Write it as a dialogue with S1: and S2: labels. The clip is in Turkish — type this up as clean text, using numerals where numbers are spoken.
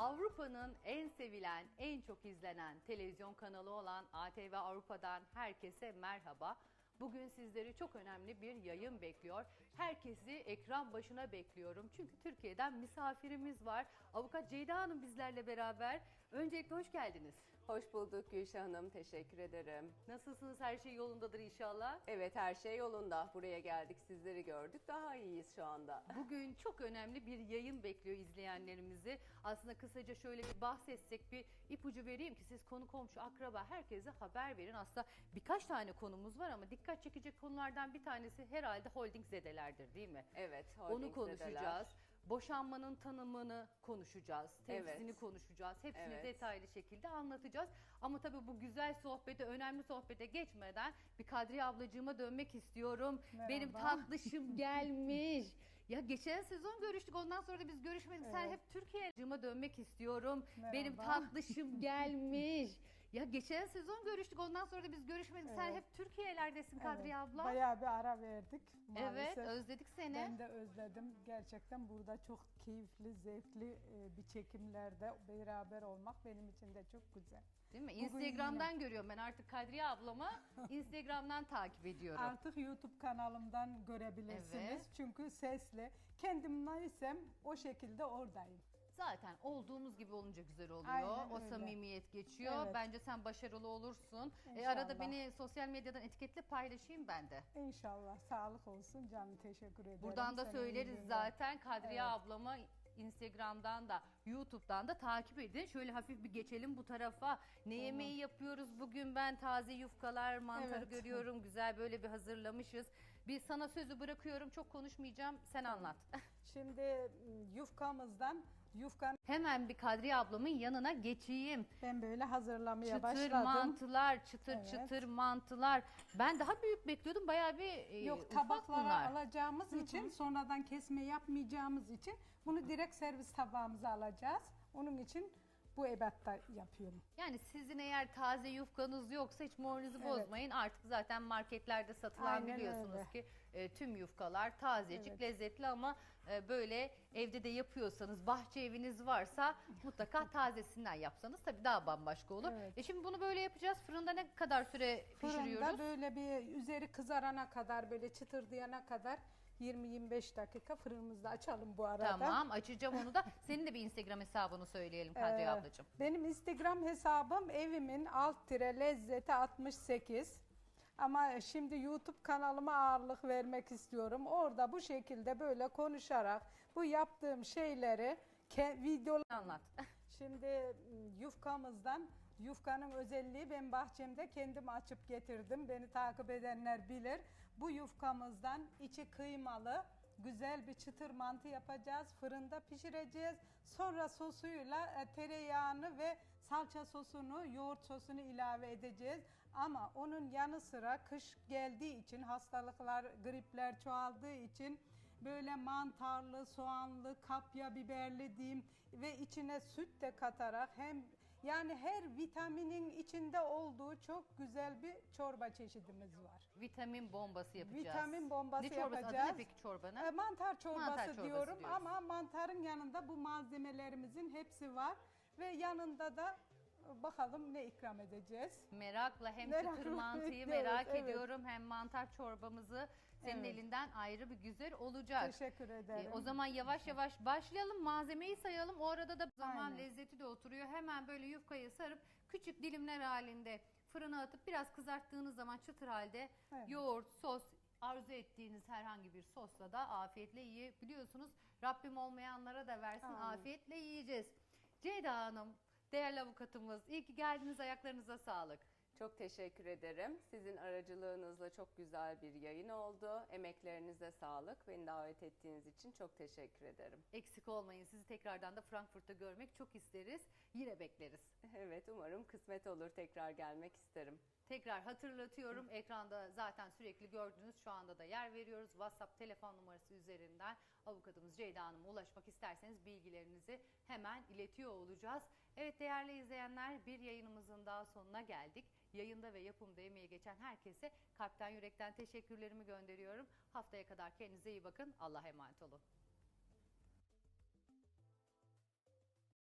S1: Avrupa'nın en sevilen, en çok izlenen televizyon kanalı olan ATV Avrupa'dan herkese merhaba. Bugün sizleri çok önemli bir yayın bekliyor. Herkesi ekran başına bekliyorum. Çünkü Türkiye'den misafirimiz var. Avukat Ceyda Hanım bizlerle beraber. Öncelikle hoş geldiniz.
S2: Hoş bulduk Gülşah Hanım, teşekkür ederim.
S1: Nasılsınız? Her şey yolundadır inşallah.
S2: Evet, her şey yolunda. Buraya geldik, sizleri gördük. Daha iyiyiz şu anda.
S1: Bugün çok önemli bir yayın bekliyor izleyenlerimizi. Aslında kısaca şöyle bir bahsetsek, bir ipucu vereyim ki siz konu komşu, akraba herkese haber verin. Aslında birkaç tane konumuz var ama dikkat çekecek konulardan bir tanesi herhalde holding zedelerdir, değil mi?
S2: Evet,
S1: Onu konuşacağız. Boşanmanın tanımını konuşacağız, tepsisini
S2: Evet.
S1: konuşacağız, hepsini
S2: Evet.
S1: detaylı şekilde anlatacağız. Ama tabii bu güzel sohbete, önemli sohbete geçmeden bir Kadriye ablacığıma dönmek istiyorum.
S3: Merhaba.
S1: Benim tatlışım gelmiş. Ya geçen sezon görüştük, ondan sonra da biz görüşmedik. Sen
S3: Evet.
S1: hep Türkiye'ye dönmek istiyorum.
S3: Merhaba.
S1: Benim tatlışım gelmiş. Ya geçen sezon görüştük, ondan sonra da biz görüşmedik. Sen
S3: Evet.
S1: hep Türkiye'lerdesin Kadriye abla.
S3: Bayağı bir ara verdik
S1: Evet,
S3: maalesef.
S1: özledik seni.
S3: Ben de özledim. Gerçekten burada çok keyifli, zevkli bir çekimlerde beraber olmak benim için de çok güzel.
S1: Değil mi?
S3: Bugün
S1: Instagram'dan görüyorum ben artık Kadriye ablamı. Instagram'dan takip ediyorum.
S3: Artık YouTube kanalımdan görebilirsiniz.
S1: Evet.
S3: Çünkü sesli. Kendim neysem o şekilde oradayım.
S1: Zaten olduğumuz gibi olunca güzel oluyor.
S3: Aynen
S1: O
S3: öyle.
S1: samimiyet geçiyor.
S3: Evet.
S1: Bence sen başarılı olursun.
S3: İnşallah.
S1: Arada beni sosyal medyadan etiketle, paylaşayım ben de.
S3: İnşallah. Sağlık olsun canım. Teşekkür ederim.
S1: Buradan da
S3: Senin
S1: söyleriz
S3: iyiliğine.
S1: zaten. Kadriye
S3: Evet.
S1: ablamı Instagram'dan da YouTube'dan da takip edin. Şöyle hafif bir geçelim bu tarafa. Ne yemeği yapıyoruz bugün? Ben taze yufkalar, mantarı
S3: Evet.
S1: görüyorum. Güzel böyle bir hazırlamışız. Bir sana sözü bırakıyorum. Çok konuşmayacağım. Sen anlat.
S3: Şimdi yufkamızdan
S1: Hemen bir Kadriye ablamın yanına geçeyim.
S3: ben böyle hazırlamaya
S1: Çıtır
S3: başladım.
S1: mantılar, çıtır
S3: Evet.
S1: çıtır mantılar. Ben daha büyük bekliyordum. Bayağı bir
S3: Yok,
S1: ufak
S3: tabaklara
S1: bunlar.
S3: alacağımız için, sonradan kesme yapmayacağımız için bunu direkt servis tabağımıza alacağız. Onun için bu ebatta yapıyorum.
S1: Yani sizin eğer taze yufkanız yoksa hiç moralinizi
S3: Evet.
S1: bozmayın. Artık zaten marketlerde satılan,
S3: Aynen
S1: biliyorsunuz
S3: öyle.
S1: ki tüm yufkalar tazecik,
S3: Evet.
S1: lezzetli ama böyle evde de yapıyorsanız, bahçe eviniz varsa mutlaka tazesinden yapsanız tabii daha bambaşka olur.
S3: Evet.
S1: Şimdi bunu böyle yapacağız. Fırında ne kadar süre pişiriyoruz?
S3: Fırında böyle bir üzeri kızarana kadar, böyle çıtırdayana kadar 20-25 dakika fırınımızda açalım bu arada.
S1: Tamam, açacağım onu da. Senin de bir Instagram hesabını söyleyelim Kadriye ablacığım.
S3: Benim Instagram hesabım evimin lezzeti 68. Ama şimdi YouTube kanalıma ağırlık vermek istiyorum. Orada bu şekilde böyle konuşarak bu yaptığım şeyleri videolar.
S1: Anlat.
S3: Şimdi yufkanın özelliği, ben bahçemde kendim açıp getirdim. Beni takip edenler bilir. Bu yufkamızdan içi kıymalı güzel bir çıtır mantı yapacağız. Fırında pişireceğiz. Sonra sosuyla tereyağını ve salça sosunu, yoğurt sosunu ilave edeceğiz. Ama onun yanı sıra kış geldiği için, hastalıklar, gripler çoğaldığı için böyle mantarlı, soğanlı, kapya biberli diyeyim ve içine süt de katarak yani her vitaminin içinde olduğu çok güzel bir çorba çeşidimiz var.
S1: Vitamin bombası yapacağız.
S3: Vitamin bombası
S1: ne çorbası?
S3: yapacağız.
S1: Adı ne peki çorbanın?
S3: Mantar çorbası,
S1: Mantar çorbası
S3: diyorum
S1: diyoruz.
S3: ama mantarın yanında bu malzemelerimizin hepsi var ve yanında da bakalım ne ikram edeceğiz.
S1: Merakla hem
S3: Merakla
S1: çıtır mantıyı
S3: bekliyoruz,
S1: merak
S3: evet.
S1: ediyorum hem mantar çorbamızı senin
S3: Evet.
S1: elinden ayrı bir güzel olacak.
S3: Teşekkür ederim.
S1: O zaman yavaş yavaş başlayalım, malzemeyi sayalım. O arada da zaman
S3: Aynen.
S1: lezzeti de oturuyor. Hemen böyle yufkayı sarıp küçük dilimler halinde fırına atıp biraz kızarttığınız zaman çıtır halde
S3: Evet.
S1: yoğurt, sos, arzu ettiğiniz herhangi bir sosla da afiyetle yiyebiliyorsunuz. Rabbim olmayanlara da versin,
S3: Amin.
S1: afiyetle yiyeceğiz. Ceyda Hanım, değerli avukatımız, iyi ki geldiniz, ayaklarınıza sağlık.
S2: Çok teşekkür ederim. Sizin aracılığınızla çok güzel bir yayın oldu. Emeklerinize sağlık. Beni davet ettiğiniz için çok teşekkür ederim.
S1: Eksik olmayın, sizi tekrardan da Frankfurt'ta görmek çok isteriz. Yine bekleriz.
S2: Evet, umarım kısmet olur. Tekrar gelmek isterim.
S1: Tekrar hatırlatıyorum, ekranda zaten sürekli gördünüz, şu anda da yer veriyoruz. WhatsApp telefon numarası üzerinden avukatımız Ceyda Hanım'a ulaşmak isterseniz bilgilerinizi hemen iletiyor olacağız. Evet değerli izleyenler, bir yayınımızın daha sonuna geldik. Yayında ve yapımda emeği geçen herkese kalpten yürekten teşekkürlerimi gönderiyorum. Haftaya kadar kendinize iyi bakın, Allah'a emanet olun.